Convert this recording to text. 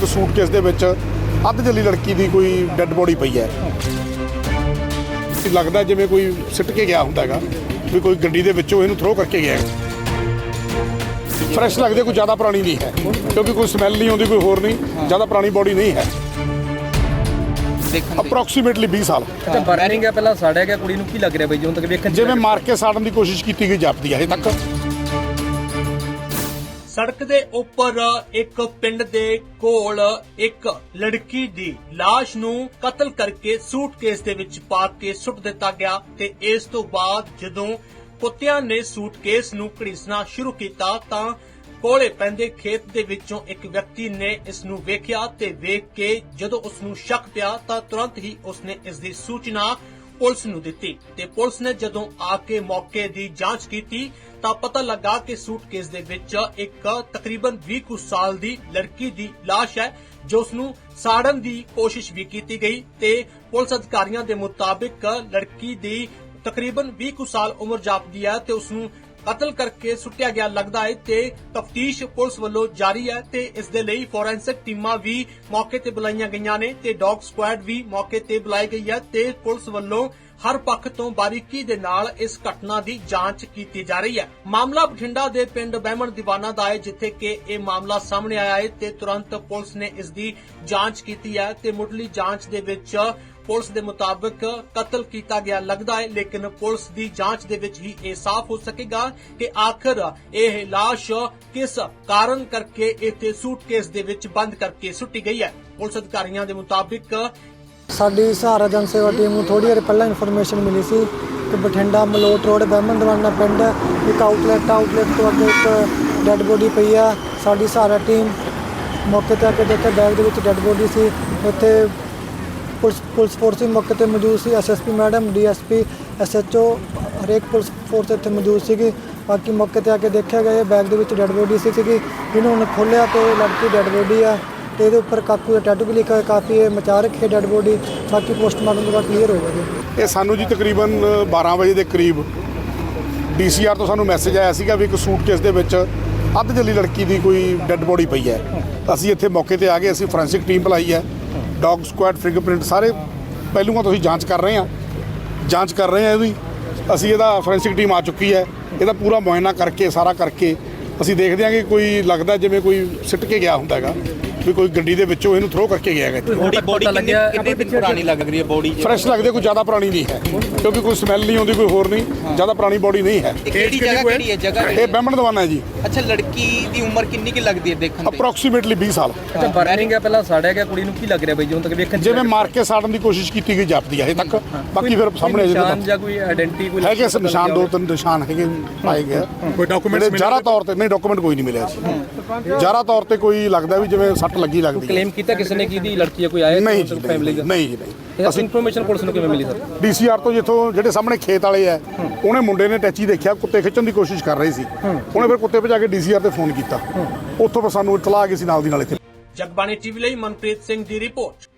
ਇੱਕ ਸੂਟਕੇਸ ਦੇ ਵਿੱਚ ਅੱਧ ਜਲੀ ਲੜਕੀ ਦੀ ਕੋਈ ਡੈੱਡ ਬੋਡੀ ਪਈ ਹੈ। ਲੱਗਦਾ ਜਿਵੇਂ ਕੋਈ ਸਿੱਟ ਕੇ ਗਿਆ ਹੁੰਦਾ ਹੈਗਾ ਵੀ ਕੋਈ ਗੱਡੀ ਦੇ ਵਿੱਚੋਂ ਇਹਨੂੰ ਥਰੋ ਕਰਕੇ ਗਿਆ। ਫਰੈਸ਼ ਲੱਗਦੇ, ਕੋਈ ਜ਼ਿਆਦਾ ਪੁਰਾਣੀ ਨਹੀਂ ਹੈ ਕਿਉਂਕਿ ਕੋਈ ਸਮੈਲ ਨਹੀਂ ਆਉਂਦੀ, ਕੋਈ ਹੋਰ ਨਹੀਂ, ਜ਼ਿਆਦਾ ਪੁਰਾਣੀ ਬੋਡੀ ਨਹੀਂ ਹੈ। ਅਪਰੋਕਸੀਮੇਟਲੀ 20 ਸਾਲ। ਅੱਛਾ, ਬਰਨਿੰਗ ਹੈ, ਪਹਿਲਾਂ ਸਾੜਿਆ ਗਿਆ। ਕੁੜੀ ਨੂੰ ਕੀ ਲੱਗ ਰਿਹਾ ਬਈ ਜਦੋਂ ਤੱਕ ਵੇਖਣ ਜਿਵੇਂ ਮਾਰ ਕੇ ਸਾੜਨ ਦੀ ਕੋਸ਼ਿਸ਼ ਕੀਤੀ ਗਈ ਜਾਪਦੀ ਹੈ ਹਜੇ ਤੱਕ। ਸੜਕ ਦੇ ਉੱਪਰ ਇੱਕ ਪਿੰਡ ਦੇ ਕੋਲ ਇੱਕ ਲੜਕੀ ਦੀ ਲਾਸ਼ ਨੂੰ ਕਤਲ ਕਰਕੇ ਸੂਟਕੇਸ ਦੇ ਵਿੱਚ ਪਾ ਕੇ ਸੁੱਟ ਦਿੱਤਾ ਗਿਆ ਤੇ ਇਸ ਤੋਂ ਬਾਅਦ ਜਦੋਂ ਕੁੱਤਿਆਂ ਨੇ ਸੂਟਕੇਸ ਨੂੰ ਘੜੀਸਣਾ ਸ਼ੁਰੂ ਕੀਤਾ ਤਾਂ ਕੋਲੇ ਪੈਂਦੇ ਖੇਤ ਦੇ ਵਿੱਚੋਂ ਇੱਕ ਵਿਅਕਤੀ ਨੇ ਇਸ ਨੂੰ ਵੇਖਿਆ ਤੇ ਵੇਖ ਕੇ ਜਦੋਂ ਉਸ ਨੂੰ ਸ਼ੱਕ ਪਿਆ ਤਾਂ ਤੁਰੰਤ ਹੀ ਉਸਨੇ ਇਸ ਦੀ ਸੂਚਨਾ ਪੁਲਿਸ ਨੂੰ ਦਿੱਤੀ ਤੇ ਪੁਲਿਸ ਨੇ ਜਦੋਂ ਆ ਕੇ ਮੌਕੇ ਦੀ ਜਾਂਚ ਕੀਤੀ ਤਾਂ ਪਤਾ ਲੱਗਾ ਕਿ ਸੂਟਕੇਸ ਦੇ ਵਿੱਚ ਇੱਕ ਤਕਰੀਬਨ 20 ਕੁ ਸਾਲ ਦੀ ਲੜਕੀ ਦੀ ਲਾਸ਼ ਹੈ ਜੋ ਉਸ ਨੂੰ ਸਾੜਨ ਦੀ ਕੋਸ਼ਿਸ਼ ਵੀ ਕੀਤੀ ਗਈ ਤੇ ਪੁਲਿਸ ਅਧਿਕਾਰੀਆਂ ਦੇ ਮੁਤਾਬਿਕ ਲੜਕੀ ਦੀ ਤਕਰੀਬਨ 20 ਕੁ ਸਾਲ ਉਮਰ ਜਾਪਦੀ ਹੈ ਤੇ ਉਸ ਨੂੰ ਕਤਲ ਕਰਕੇ ਸੁੱਟਿਆ ਗਿਆ ਲੱਗਦਾ ਹੈ ਤੇ ਤਫਤੀਸ਼ ਪੁਲਿਸ ਵੱਲੋਂ ਜਾਰੀ ਹੈ ਤੇ ਇਸ ਦੇ ਲਈ ਫੋਰੈਂਸਿਕ ਟੀਮਾਂ ਵੀ ਮੌਕੇ ਤੇ ਬੁਲਾਈਆਂ ਗਈਆਂ ਨੇ ਤੇ ਡੌਗ ਸਕੁਐਡ ਵੀ ਮੌਕੇ ਤੇ ਬੁਲਾਈ ਗਈ ਹੈ ਤੇ ਪੁਲਿਸ ਵੱਲੋਂ ਹਰ ਪੱਖ ਤੋਂ ਬਾਰੀਕੀ ਦੇ ਨਾਲ ਇਸ ਘਟਨਾ ਦੀ ਜਾਂਚ ਕੀਤੀ ਜਾ ਰਹੀ ਹੈ। ਮਾਮਲਾ ਬਠਿੰਡਾ ਦੇ ਪਿੰਡ ਬਹਿਮਣ ਦੀਵਾਨਾ ਦਾ ਹੈ ਜਿੱਥੇ ਕਿ ਇਹ ਮਾਮਲਾ ਸਾਹਮਣੇ ਆਇਆ ਹੈ ਤੇ ਤੁਰੰਤ ਪੁਲਿਸ ਨੇ ਇਸ ਦੀ ਜਾਂਚ ਕੀਤੀ ਹੈ ਤੇ ਮੁੱਢਲੀ ਜਾਂਚ ਦੇ ਵਿੱਚ ਪੁਲਿਸ ਦੇ ਮੁਤਾਬਕ ਕਤਲ ਕੀਤਾ ਗਿਆ ਲੱਗਦਾ ਹੈ ਲੇਕਿਨ ਪੁਲਿਸ ਦੀ ਜਾਂਚ ਦੇ ਵਿੱਚ ਹੀ ਇਹ ਸਾਫ਼ ਹੋ ਸਕੇਗਾ ਕਿ ਆਖਰ ਇਹ ਲਾਸ਼ ਕਿਸ ਕਾਰਨ ਕਰਕੇ ਇੱਥੇ ਸੂਟਕੇਸ ਦੇ ਵਿੱਚ ਬੰਦ ਕਰਕੇ ਸੁੱਟੀ ਗਈ ਹੈ। ਪੁਲਿਸ ਅਧਿਕਾਰੀਆਂ ਦੇ ਮੁਤਾਬਕ ਸਾਡੀ ਸਹਾਰਾ ਜਨ ਸੇਵਾ ਟੀਮ ਨੂੰ ਥੋੜੀ ਦੇਰ ਪਹਿਲਾਂ ਇਨਫੋਰਮੇਸ਼ਨ ਮਿਲੀ ਸੀ ਕਿ ਬਠਿੰਡਾ ਮਲੋਟ ਰੋਡ ਬਹਿਮਣ ਦੀਵਾਨਾ ਪਿੰਡ ਇੱਕ ਆਊਟਲੈਟ ਤੋਂ ਅੱਗੇ ਇੱਕ ਡੈੱਡ ਬੋਡੀ ਪਈ ਆ। ਸਾਡੀ ਸਹਾਰਾ ਟੀਮ ਮੌਕੇ ਤੇ ਆ ਕੇ ਦੇਖਿਆ, ਬੈਗ ਦੇ ਵਿੱਚ ਡੈੱਡ ਬੋਡੀ ਸੀ। ਉੱਥੇ ਪੁਲਿਸ ਫੋਰਸ ਵੀ ਮੌਕੇ ਤੇ ਮੌਜੂਦ ਸੀ, ਐਸਐਸਪੀ ਮੈਡਮ, ਡੀਐਸਪੀ, ਐਸਐਚਓ, ਹਰੇਕ ਪੁਲਿਸ ਫੋਰਸ ਇੱਥੇ ਮੌਜੂਦ ਸੀਗੀ। ਬਾਕੀ ਮੌਕੇ ਤੇ ਆ ਕੇ ਦੇਖਿਆ ਗਿਆ ਬੈਗ ਦੇ ਵਿੱਚ ਡੈੱਡ ਬੋਡੀ ਸੀਗੀ। ਇਹਨੂੰ ਹੁਣ ਖੋਲ੍ਹਿਆ ਤੇ ਲੜਕੀ ਡੈੱਡ ਬੋਡੀ ਆ ਤੇ ਇਹਦੇ ਉੱਪਰ ਕਾਕੂ ਦਾ ਟੈਟੂ ਵੀ ਲਿਖਿਆ ਹੋਇਆ, ਕਾਫੀ ਇਹ ਮਚਾ ਰੱਖੀ ਡੈੱਡ ਬੋਡੀ। ਬਾਕੀ ਪੋਸਟਮਾਰਟਮ ਤੋਂ ਬਾਅਦ ਕਲੀਅਰ ਹੋਵੇਗਾ ਜੀ। ਇਹ ਸਾਨੂੰ ਜੀ ਤਕਰੀਬਨ 12 ਵਜੇ ਦੇ ਕਰੀਬ DCR ਤੋਂ ਸਾਨੂੰ ਮੈਸੇਜ ਆਇਆ ਸੀਗਾ ਵੀ ਇੱਕ ਸੂਟਕੇਸ ਦੇ ਵਿੱਚ ਅੱਧ ਜਲੀ ਲੜਕੀ ਦੀ ਕੋਈ ਡੈੱਡ ਬੋਡੀ ਪਈ ਹੈ। ਅਸੀਂ ਇੱਥੇ ਮੌਕੇ ਤੇ ਆ ਗਏ, ਅਸੀਂ ਫੋਰੈਂਸਿਕ ਟੀਮ ਬੁਲਾਈ ਹੈ, ਡੌਗ ਸਕੁਐਡ, ਫਿੰਗਰਪ੍ਰਿੰਟ ਸਾਰੇ ਪਹਿਲੂਆਂ ਤੋਂ ਅਸੀਂ ਜਾਂਚ ਕਰ ਰਹੇ ਹਾਂ ਇਹਦੀ। ਅਸੀਂ ਇਹਦਾ ਫੋਰੈਂਸਿਕ ਟੀਮ ਆ ਚੁੱਕੀ ਹੈ, ਇਹਦਾ ਪੂਰਾ ਮੁਆਇਨਾ ਕਰਕੇ ਸਾਰਾ ਕਰਕੇ ਅਸੀਂ ਦੇਖਦੇ ਹਾਂ ਕਿ ਕੋਈ ਲੱਗਦਾ ਜਿਵੇਂ ਕੋਈ ਸਿੱਟ ਕੇ ਗਿਆ ਹੁੰਦਾ ਹੈਗਾ ਵੀ ਕੋਈ ਗੱਡੀ ਦੇ ਵਿੱਚੋਂ ਇਹਨੂੰ ਥਰੋ ਕਰਕੇ ਗਿਆ ਹੈਗਾ। ਬੋਡੀ ਕਿੰਨੇ ਦਿਨ ਪੁਰਾਣੀ ਲੱਗ ਰਹੀ ਹੈ ਬੋਡੀ? ਫਰੈਸ਼ ਲੱਗਦੇ, ਕੋਈ ਜ਼ਿਆਦਾ ਪੁਰਾਣੀ ਨਹੀਂ ਹੈ ਕਿਉਂਕਿ ਕੋਈ ਸਮੈਲ ਨਹੀਂ ਆਉਂਦੀ, ਕੋਈ ਹੋਰ ਨਹੀਂ, ਜ਼ਿਆਦਾ ਪੁਰਾਣੀ ਬੋਡੀ ਨਹੀਂ ਹੈ। ਕਿਹੜੀ ਜਗ੍ਹਾ ਇਹ ਬਹਿਮਣ ਦੀਵਾਨਾ ਹੈ ਜੀ। ਅੱਛਾ, ਲੜਕੀ ਦੀ ਉਮਰ ਕਿੰਨੀ ਕਿ ਲੱਗਦੀ ਹੈ ਦੇਖਣ ਤੇ? ਅਪਰੋਕਸੀਮੇਟਲੀ 20 ਸਾਲ। ਅੱਛਾ, ਬਰਨਿੰਗ ਹੈ, ਪਹਿਲਾਂ ਸਾੜਿਆ ਗਿਆ। ਕੁੜੀ ਨੂੰ ਕੀ ਲੱਗ ਰਿਹਾ ਬਈ ਜਦੋਂ ਤੱਕ ਵੇਖਣ ਜਿਵੇਂ ਮਾਰ ਕੇ ਸਾੜਨ ਦੀ ਕੋਸ਼ਿਸ਼ ਕੀਤੀ ਗਈ ਜਾਪਦੀ ਹੈ ਹਜੇ ਤੱਕ। ਬਾਕੀ ਫਿਰ ਸਾਹਮਣੇ ਨਿਸ਼ਾਨ ਜਾਂ ਕੋਈ ਆਇਡੈਂਟੀ ਕੋਈ ਹੈਗੇ ਨਿਸ਼ਾਨ, 2-3 ਨਿਸ਼ਾਨ ਹੈਗੇ ਪਾਏ ਗਏ। ਕੋਈ ਡਾਕੂਮੈਂਟ ਜ਼ਿਆਦਾ ਤੌਰ ਤੇ ਨਹੀਂ, ਡਾਕੂਮੈਂਟ ਕੋਈ ਨਹੀਂ ਮਿਲਿਆ ਸੀ। ਜ਼ਿਆਦਾ ਤੌਰ ਤੇ ਕੋਈ ਲੱਗਦਾ ਵੀ ਜਿਵੇਂ ਸੱਟ ਲੱਗੀ ਲੱਗਦੀ ਹੈ। ਕਲੇਮ ਕੀਤਾ ਕਿਸੇ ਨੇ ਕਿ ਇਹਦੀ ਲੜਕੀ ਹੈ, ਕੋਈ ਆਇਆ ਨਹੀਂ ਜੀ, ਫੈਮਿਲੀ ਦਾ? ਨਹੀਂ ਜੀ, ਨਹੀਂ। ਅਸੀਂ ਇਨਫੋਰਮੇਸ਼ਨ ਪੁਲਿਸ ਨੂੰ ਕਿਵੇਂ ਮਿਲੀ ਸਰ? DCR ਤੋਂ ਜਿੱਥੋਂ ਜਿਹੜੇ ਸਾਹਮਣੇ ਖੇਤ ਵਾਲੇ ਆ ਉਹਨੇ ਮੁੰਡੇ ਨੇ ਟੈਚੀ ਦੇਖਿਆ, ਕੁੱਤੇ ਖਿੱਚਣ ਦੀ ਕੋਸ਼ਿਸ਼ ਕਰ ਰਹੇ ਸੀ। ਉਹਨੇ ਫਿਰ ਕੁੱਤੇ ਭਜਾ ਕੇ DCR ਤੇ ਫੋਨ ਕੀਤਾ, ਉੱਥੋਂ ਫਿਰ ਸਾਨੂੰ ਇਤਲਾਹ ਆ ਗਈ ਸੀ ਨਾਲ ਦੀ ਨਾਲ ਇੱਥੇ। ਜਗਬਾਣੀ ਟੀਵੀ ਲਈ ਮਨਪ੍ਰੀਤ ਸਿੰਘ ਦੀ ਰਿਪੋਰਟ।